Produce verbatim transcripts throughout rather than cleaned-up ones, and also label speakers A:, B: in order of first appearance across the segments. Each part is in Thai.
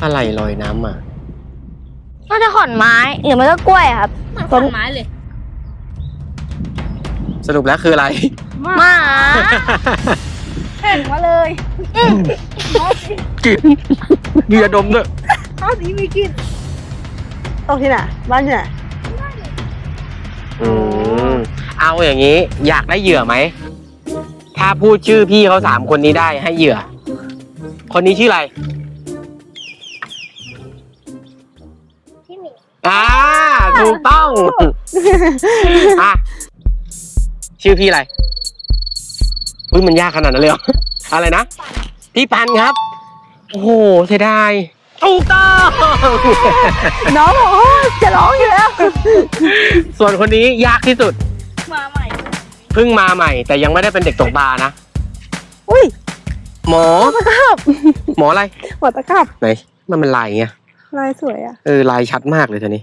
A: อะไรลอยน้ำมา
B: น่าจะขอนไม้หรือไม่ก็กล้วยครับ
C: ขอนไม้เลย
A: สรุปแล้วคืออะไร
B: หมา
C: เห็นมาเลย
A: กินเหยื่อดมด้วย
C: ข้าวสีมีกลิ่น
D: ตรงที่ไหนบ้านที่ไหน
A: อืมเอาอย่างนี้ อยากได้เหยื่อไหมถ้าพูดชื่อพี่เขาสามคนนี้ได้ให้เหยื่อ คนนี้ชื่ออะไร
B: พี่หมี
A: อ่าถูกต้อง อ่ะชื่อพี่อะไรอุ้ยมันยากขนาดนั้นเลยเหรอ อะไรนะพี่ปันครับ โอ้โหเสียดายถูกต้อง
D: น้องบอกโอ้ยจะร้องอยู่แล้ว
A: ส่วนคนนี้ยากที่สุด
C: มาใหม่
A: เพิ่งมาใหม่ แต่ยังไม่ได้เป็นเด็กตกปลานะ
D: อุ้ย
A: หมอ
D: ตะขาบ
A: หมออะไร
D: หัวตะขาบ
A: ไหนมันเป็นลายอย่างเงี้ย
D: ลายสวยอ่ะ
A: เออลายชัดมากเลยทีนี้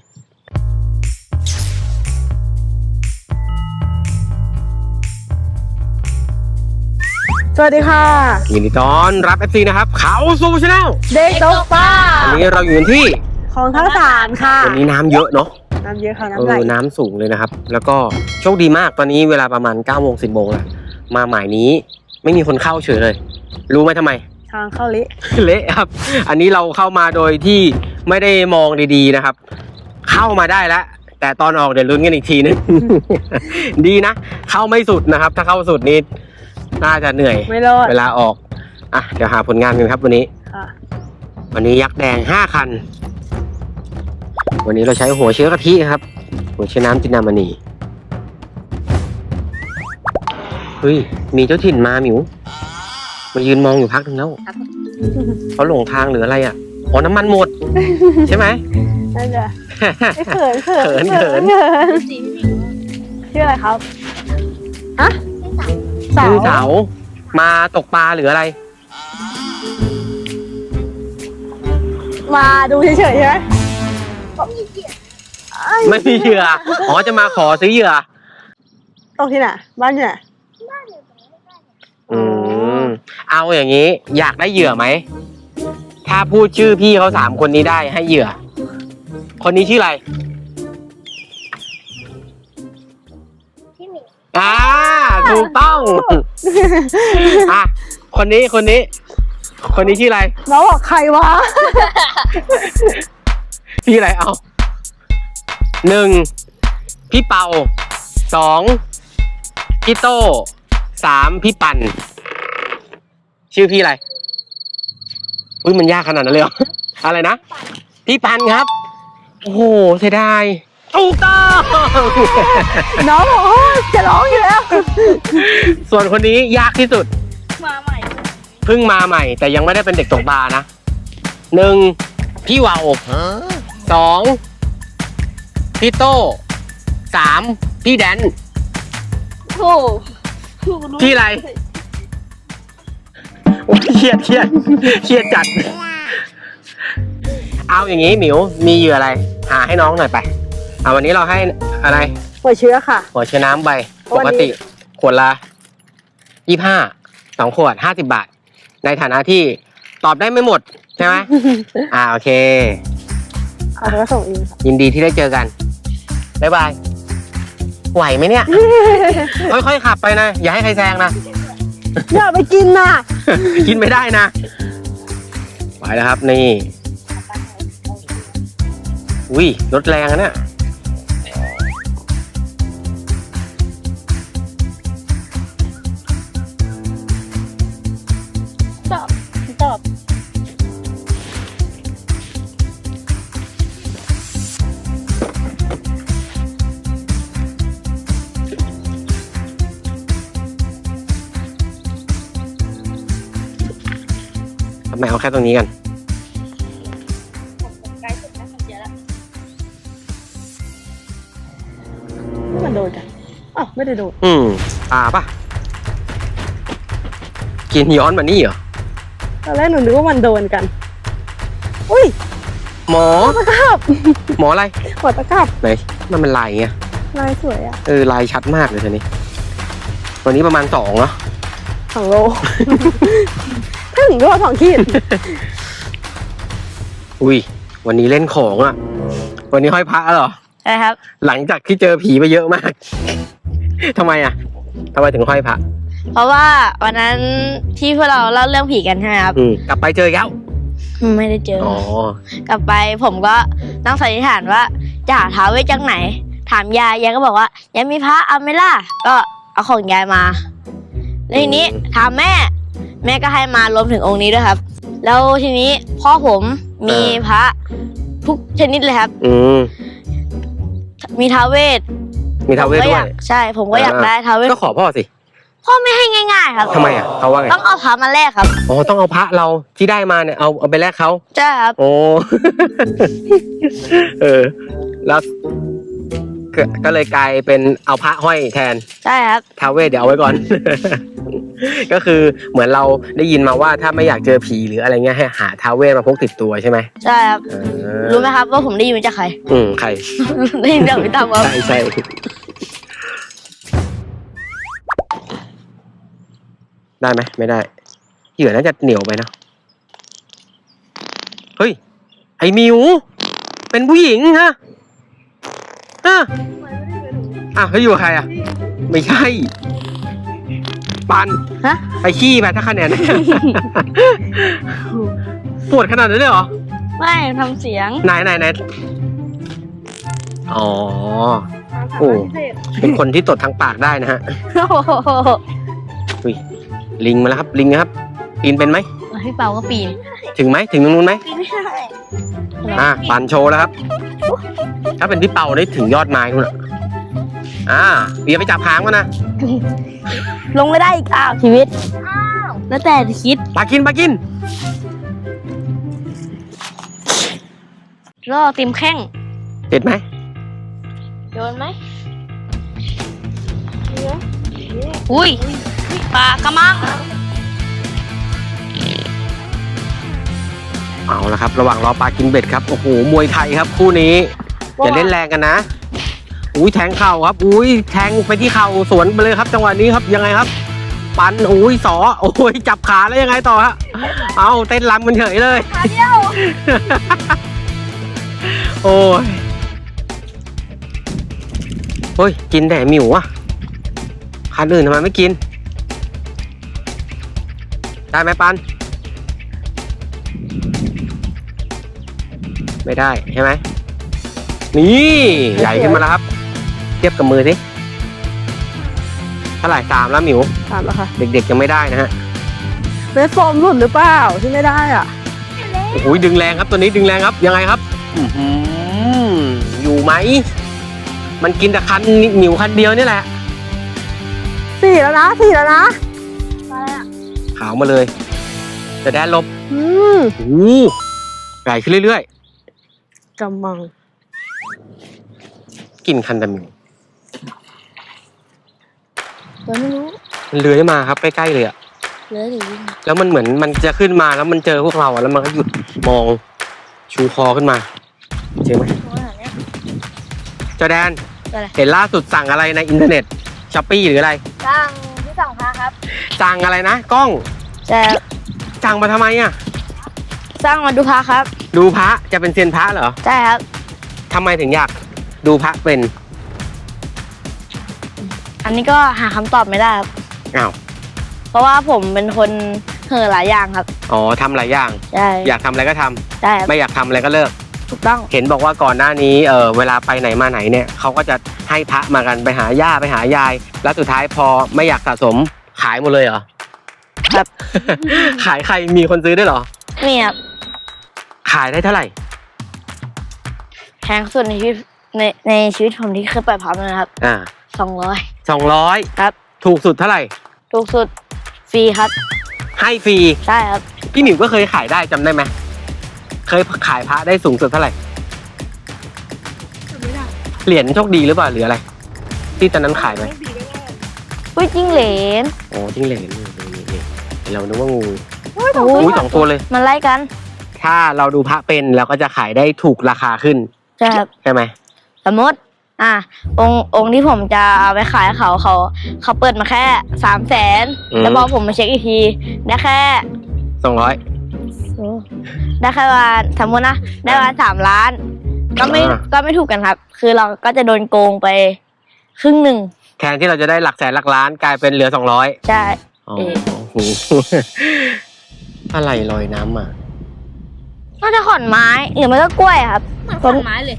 D: สวัสดีค่ะ
A: ยินดีต้อนรับ เอฟ ซี นะครับเขาสู่ชาแนล
D: เด็กตกปลา
A: วันนี้เราอยู่กันที่
D: ของทั้งสามค่ะ
A: วันนี้น้ำเยอะเนาะ
D: น้ำเยอะค่ะ
A: เอ
D: น้ำไหล
A: อน้ำสูงเลยนะครับ แล้วก็โชคดีมากตอนนี้เวลาประมาณเก้าโมงสิบโมงแล้วมาหมายนี้ไม่มีคนเข้าเฉยเลย รู้ไหมทำไม
D: ทางเข้าเละ
A: เละครับ อันนี้เราเข้ามาโดยที่ไม่ได้มองดีๆนะครับ เข้ามาได้แล้ว แต่ตอนออกเดี๋ยวลุ้นกันอีกทีนึง ดีนะ เข้าไม่สุดนะครับ ถ้าเข้าสุดนี้น่าจะเหนื่อย
D: ไม่รอด
A: เวลาออก อ่ะ เดี๋ยวหาผลงานกันครับวันนี้
D: ค่ะ
A: วันนี้ยักษ์แดงห้าคัน วันนี้เราใช้หัวเชื้อกะทิครับ หัวเชื้อน้ำจินดามณีเฮ้ย มีเจ้าถิ่นมาหมิว มายืนมองอยู่พักหนึ่งแล้วเขาหลงทางหรืออะไรอ่ะอ๋อน้ำมันหมด ใช่ไหม
D: นั่นจะไอ้เขินเขิน
A: เขินเขิน
D: เขิน
C: สี
D: ชื่ออะไรครับอะเสา
A: ชื่อเสามาตกปลาหรืออะไร
D: มาดูเฉยๆใช่ไหม
A: ไม่มีเหยื่อ อ๋อจะมาขอซื้อเหยื่อ
D: ตรงที่ไหนบ้านที่ไหน
A: อืมเอาอย่างนี้ อยากได้เหยื่อไหมถ้าพูดชื่อพี่เขาสามคนนี้ได้ให้เหยื่อ คนนี้ชื่ออะไร
B: พี่หมี
A: อ่าถูกต้อง อ่ะคนนี้คนนี้ คนนี้ชื่ออะไร
D: น้องบอกใครวะ
A: พี่อะไรเอาหนึ่งพี่เปาสองพี่โต้สามพี่ปันชื่อพี่อะไรอุ้ยมันยากขนาดนั้นเลยเหรอ อะไรนะพี่ปันครับ โอ้โหเสียดายถูกต้อง
D: น้องบอกโอ้ยจะร้องอยู่แล้ว
A: ส่วนคนนี้ยากที่สุด
C: มาใหม่
A: เพิ่งมาใหม่ แต่ยังไม่ได้เป็นเด็กตกปลานะหนึ่งพี่เวาวสองพี่โต้สามพี่แดน
C: โอ้
A: พี่อะไรโอ้ยเครียดเครียดเครียดจัด เอาอย่างนี้หมิวมีเหยื่ออะไร หาให้น้องหน่อยไปเอาวันนี้เราให้อะไร
D: หัวเชื้อค่ะ
A: หัวเชื้อน้ำไป
D: วั
A: ป
D: นนี้
A: กติขวดละยี่ห้าสองขวดห้าสิบบาท ในฐานะที่ตอบได้ไม่หมดใช่ไหม อ่าโอเค
D: เอาไปส่งเองค่ะ
A: ยินดีที่ได้เจอกัน บ๊ายบาย ไหวไหมเนี่ย ค่อยๆขับไปนะ อย่าให้ใครแซงนะ
D: อย่าไปกินนะ
A: กินไม่ได้นะ ไปแล้วครับนี่ อุ้ยรถแรงอะเนี่ย
C: ตอบตอบ
A: ทำไมเอาแค่ตรงนี้กัน
C: ไกลสุดนะเยอะแล้ว
D: มันโดนจ้ะอ้าวไม่ได้โดน
A: อืมปลาปะกินย้อนมานี่เหรอ
D: ตอนแรกหนูนึกว่ามันโดนกัน อุ้ย
A: หมอ
D: ตะขาบ
A: หมออะไร
D: หัวตะขาบ
A: ไหนมันเป็นลายอย่างเงี้ย
D: ลายสวยอ่ะ
A: เออลายชัดมากเลยทีนี้วันนี้ประมาณสองเนาะ
D: สองโล ถ้าถึงก็สองขีด
A: อุ้ยวันนี้เล่นของอ่ะ วันนี้ห้อยพระเหรอ
B: ใช่ครับ
A: หลังจากที่เจอผีไปเยอะมาก ทำไมอ่ะทำไมถึงห้อยพระ
B: เพราะว่าวันนั้นที่พวกเราเล่าเรื่องผีกันใช่ไหมครับ
A: อืมกลับไปเจออีกแล้ว
B: ไม่ได้เจอ
A: อ๋อ
B: กลับไปผมก็นั่งสันนิษฐานว่าจะหาท้าวเวสจากไหน ถามยายยายก็บอกว่ายายมีพระเอาไหมล่ะก็เอาของยายมาแล้วทีนี้ถามแม่ แม่ก็ให้มารวมถึงองค์นี้ด้วยครับ แล้วทีนี้พ่อผมมีพระทุกชนิดเลยครับ
A: อืม
B: มีท้าวเวส
A: มีท้าวเวส
B: ผมก็
A: ด้
B: อ
A: วย
B: ยากใช่ ผมก็อยากได้ท้าวเวส
A: ก็ขอพ่อสิ
B: พ่อไม่ให้ง่าย ๆ ครับ
A: ทำไมอ่ะเขาว่าไง
B: ต้องเอาพระมาแลกครับ
A: อ๋อต้องเอาพระเราที่ได้มาเนี่ยเอาเอาไปแลกเขา
B: ใช่ครับ
A: โอ้ เออ แล้วก็ก็เลยกลายเป็นเอาพระห้อยแทน
B: ใช่ครับ
A: ท้าวเวสเดี๋ยวเอาไว้ก่อน ก็คือเหมือนเราได้ยินมาว่าถ้าไม่อยากเจอผีหรืออะไรเงี้ยให้หาท้าวเวสมาพกติดตัวใช่ไหม
B: ใช่ครับ
A: เออ
B: รู้ไหมครับว่าผมได้ยินมาจากใคร
A: อืมใคร
B: ได้ยินจากพี่ตั้มครับ
A: ใช่ใช่ได้ไหมไม่ได้เหยื่อน่าจะเหนียวไปนะเฮ้ยไอ้มิวเป็นผู้หญิงฮะอ่ะอ่ะเขาอยู่กับใครอ่ะ ไม่ใช่ปัน
B: ฮะ
A: ไปขี้ไปถ้าคะแนน ปวดขนาดนั้นเลยเหรอ
C: ไม่ทำเสียง
A: ไหนไหนไหนอ๋อ โอ้ เป็นคนที่ตดทางปากได้นะฮะ อุ้ยลิงมาแล้วครับ ลิงนะครับ ปีนเป็นไหม
B: พี่เปาก็ปีน
A: ถึงไหม ถึงตรงนู้นไหม
C: ไม่ใช่
A: อ่ะปันโชว์แล้วครับ ถ้าเป็นพี่เปาได้ถึงยอดไม้นู่นอ่ะ อ่าเบียร์ไปจับหางมันนะ
B: ลงไม่ได้อีกอ้าวชีวิต อ้าว แล้วแต่จะคิด
A: ปลากินปลากิน
B: ล่อติมแข้ง
A: เด็ดไหม
B: โดนไหมอุ้ยปลากระมัง
A: เอาละครับ ระหว่างรอปลากินเบ็ดครับ โอ้โห มวยไทยครับคู่นี้ อย่าเล่นแรงกันนะ อุ้ยแทงเข่าครับ อุ้ยแทงไปที่เข่าสวนไปเลยครับ จังหวะนี้ครับ ยังไงครับ ปันอุ้ยสอโอ้ยจับขาแล้วยังไงต่อฮะ เอาเต้นรำกันเฉยเลย
C: ขาเดียว
A: โอ้ยโอ้ย กินแต่หมิวอะคันอื่นทำไมไม่กิน ได้ไหมปัน ไม่ได้ใช่ไหม นี่ใหญ่ขึ้นมาแล้วครับ เทียบกับมือสิเท่าไหร่สามแล้วหมิว
D: ถามแล้วค่ะ
A: เด็กๆยังไม่ได้นะฮะ
D: เรดโฟมหลุดหรือเปล่าที่ไม่ได้อ่ะ
A: โอ้โหดึงแรงครับตัวนี้ดึงแรงครับยังไงครับอื้อหืออยู่ไหม มันกินแต่คันหมิวคันเดียวนี่แหละ
D: สี่แล้วนะสี่แล้วนะ
A: ขาวมาเลยจะแดนลบ
D: อืม
A: โอ้โหใหญ่ขึ้นเรื่อย
D: กำมัง
A: ๆ กินคันแต่หมิว
B: ตัวไม่รู้
A: มันเลื้อยมาครับใกล้ๆเลยอะ
B: เลยหรือวิ่ง
A: แล้วมันเหมือนมันจะขึ้นมาแล้วมันเจอพวกเราอะแล้วมันก็หยุดมองชูคอขึ้นมาเจอไหมจอแดน
B: อะไร
A: เห็นล่าสุดสั่งอะไรในอินเทอร์เน็ตช้อปปี้หรืออะไร
C: สั่งที่สั่งพาครับ
A: สั่งอะไรนะกล้อง
B: แต่
A: สั่งมาทำไมอะ
B: สร้างมาดูพระครับ
A: ดูพระจะเป็นเซียนพระเหรอ
B: ใช่ครับ
A: ทำไมถึงอยากดูพระเป็น
B: อันนี้ก็หาคำตอบไม่ได้ครับ
A: อ้าว
B: เพราะว่าผมเป็นคนเห่อหลายอย่างครับ
A: อ๋อทำหลายอย่าง
B: ใช่
A: อยากทำอะไรก็ทำ
B: ใช่ครับ
A: ไม่อยากทำอะไรก็เลิก
B: ถูกต้อง
A: เห็นบอกว่าก่อนหน้านี้เออเวลาไปไหนมาไหนเนี่ยเขาก็จะให้พระมากันไปหาย่าไปหายาย แล้วสุดท้ายพอไม่อยากสะสมขายหมดเลยเหรอ
B: ครับ
A: ขายใครมีคนซื้อได้วยเหรอ
B: นี่ครับ
A: ขายได้เท่าไหร่
B: แพงสุดในชีวิตในในชีวิตผมที่เคยปล่อยพร้อมนะครับ
A: อ่า
B: สองร้อย
A: สองร้อย
B: ครับ
A: ถูกสุดเท่าไหร่
B: ถูกสุดฟรีครับ
A: ให้ฟรี
B: ใช่ครับ
A: พี่หมิวก็เคยขายได้จำได้ไหมเคยขายพระได้สูงสุดเท่าไหร่เหรียญโชคดีหรือเปล่าหรืออะไร ที่ตอนนั้นขายไหม
B: อุ้ยจิ้งเหลน
A: โอ้จริงเหลนนี่นี่นี่เรานึกว่างู
B: อุ้ย
A: อุ้ยสองตัวเลย
B: มันไล่กัน
A: ถ้าเราดูพระเป็นเราก็จะขายได้ถูกราคาขึ้น
B: ใช่ครับ
A: ใช่ไหม
B: สมมติ อ่ะ องค์องค์ที่ผมจะเอาไปขายเขาเขา เขาเปิดมาแค่สามแสนแล้วพอผมมาเช็คอีกทีได้แค่
A: สองร้อย
B: โอ้ได้แค่ว่าสมมตินะได้ว่าสามล้าน ก็ไม่ก็ไม่ถูกกันครับ คือเราก็จะโดนโกงไปครึ่งหนึ่ง
A: แทนที่เราจะได้หลักแสนหลักล้านกลายเป็นเหลือสองร้อย
B: ใช่
A: อ๋อโอ้โหอะไรลอยน้ำอ่ะ
B: น่าจะขอนไม้หรือไม่ก็กล้วยครับ
C: เหมือนขอนไม้เลย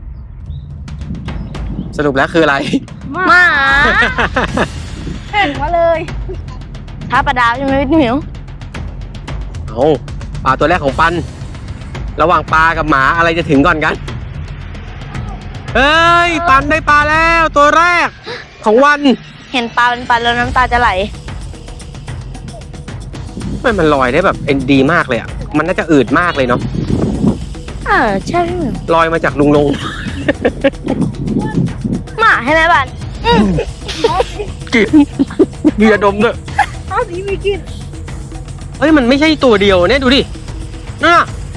A: สรุปแล้วคืออะไร
B: หมา
D: เห็นมาเลย
B: ถ้าปลาดาวใช่ไหมพี่หมิว
A: เอาปลาตัวแรกของปัน ระหว่างปลากับหมาอะไรจะถึงก่อนกัน เฮ้ย ปันได้ปลาแล้วตัวแรกของวัน
B: เห็นปลาเป็นปลาแล้วน้ำตาจะไหล
A: มันมันลอยได้แบบเอ็นดีมากเลยอ่ะ มันน่าจะอืดมากเลยเนาะ
B: เออใช่พี่หมิว
A: ลอยมาจากลุงลง
B: หมาใช่ไหมบัน
A: กินเบียร์ดมด้วย
D: เอาสีมีกลิน
A: เฮ้ยมันไม่ใช่ตัวเดียวเนี่ยดูดิน่ะ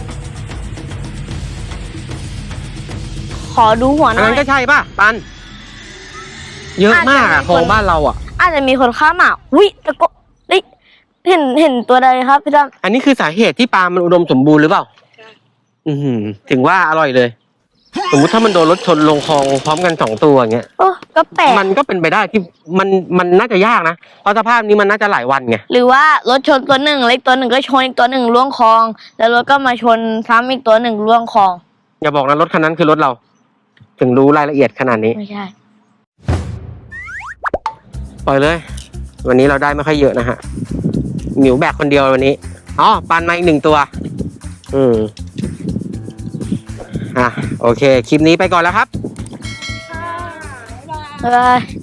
B: ขอดูหัวห
A: อัน
B: น่อ
A: นั้น
B: ย
A: ก็ใช่ป่ะปัน เยอะมากอ่ะ
B: อาจจะมี
A: คลอง
B: คน
A: บ้านเราอ่ะ
B: อาจจะมีคนฆ่าหมาวิตะโกเฮ้ยเห็นเห็นตัวใดครับพี่ตั้ม
A: อันนี้คือสาเหตุที่ปลามันอุดมสมบูรณ์หรือเปล่า อือหือถึงว่าอร่อยเลย สมมติถ้ามันโดนรถชนลงคลองพร้อมกันสองตัวอย่างเงี้ย
B: โอ้ก็แปลก
A: มันก็เป็นไปได้ที่มันมันน่าจะยากนะ เพราะสภาพนี้มันน่าจะหลายวันไง
B: หรือว่ารถชนตัวหนึ่งแล้วอีกตัวหนึ่งก็ชนอีกตัวหนึ่งล่วงคลอง แล้วรถก็มาชนซ้ำอีกตัวหนึ่งล่วงคลอง
A: อย่าบอกนะรถคันนั้นคือรถเรา ถึงรู้รายละเอียดขนาดนี้
B: ไม่ใช่
A: ปล่อยเลย วันนี้เราได้ไม่ค่อยเยอะนะฮะหมิวแบกคนเดียววันนี้อ๋อปันมาอีกหนึ่งตัว อืมอ่ะโอเค คลิปนี้ไปก่อนแล้วครับ
B: บ๊ายบาย